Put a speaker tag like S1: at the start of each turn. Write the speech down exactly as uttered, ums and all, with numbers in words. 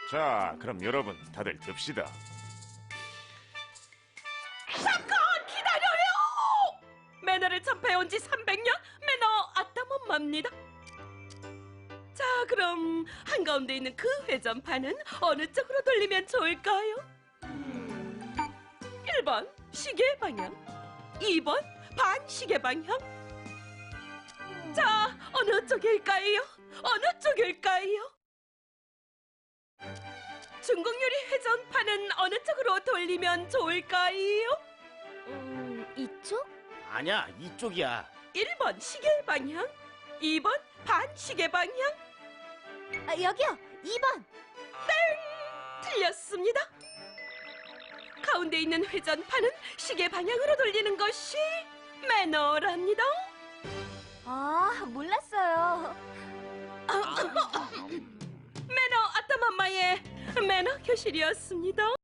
S1: 자, 그럼 여러분 다들 듭시다.
S2: 잠깐 기다려요! 매너를 전파해온 지 삼백 년 매너 아따맘마입니다. 자, 그럼 한가운데 있는 그 회전판은 어느 쪽으로 돌리면 좋을까요? 일 번 시계 방향, 이 번 반시계 방향. 자, 어느 쪽일까요? 어느 쪽일까요? 중국 요리 회전판은 어느 쪽으로 돌리면 좋을까요?
S3: 음, 이쪽?
S4: 아니야, 이쪽이야.
S2: 일 번 시계 방향, 이 번 반시계 방향.
S3: 아, 여기요. 이 번.
S2: 틀렸습니다. 가운데 있는 회전판은 시계 방향으로 돌리는 것이 매너랍니다.
S3: 아, 몰랐어요.
S2: 매너 아따맘마의 매너 교실이었습니다.